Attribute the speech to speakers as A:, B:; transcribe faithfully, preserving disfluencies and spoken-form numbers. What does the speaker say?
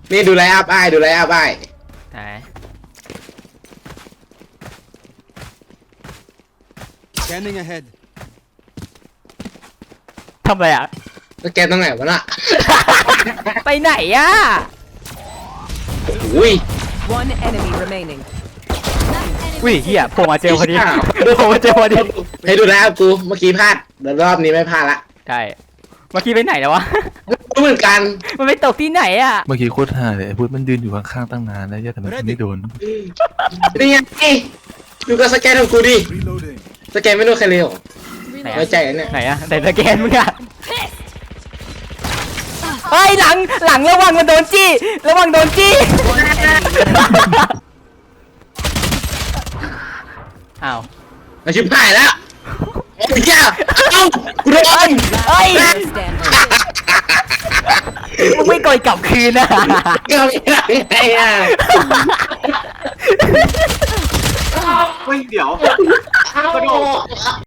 A: นี่ดูไลฟ์อัพไอ้ดูไลฟ์อัพไอ้
B: ไหน
C: Scanning ahead.
B: ทำอะไรอ่ะ
A: แล้วแกตรงไหนวะน่ะ
B: ไปไหนอ่ะ
A: อุ้ย
D: One enemy remaining.
B: อุ้ยเฮียโผล่มาเจอพอดีโผล่มาเจอพอดี
A: ให้ดูไลฟ์อัพกูเมื่อกี้พลาดแต่รอบนี้ไม่พลาดละ
B: ใช่เมื่อกี้ไปไหนแล้ววะ
A: รู้เหมือนกัน
B: มันไปตกที่ไหนอ่ะ
E: เมื่อกี้โคตรห่าเลยไอ้พุทธมันยืนอยู่ข้างๆตั้งนานแล้วย่าแต่มันไม่โดน
A: นี่ไงดูก็สแกนของกูดิ
C: Reloading.
A: สแกนไม่รู้ใครเลยเหรอ
B: ไหน
A: ไว้
B: อะ
A: ใจกันเนี่ย
B: ไหนอะแต่สแกนมึงอะเฮ้ยหลังหลังระวังมันโดนจี้ระวังโดนจี้อ้าว
A: มาชิบหายแล้วโอ้ยแกเอ้ากูโดน
B: เฮ้ย
D: Stand.
B: มึงไม่กดกลับคืนนะ
A: เกิดอะไรไงอ่ะ
F: เฮ้ยเดี๋ยวกระโดด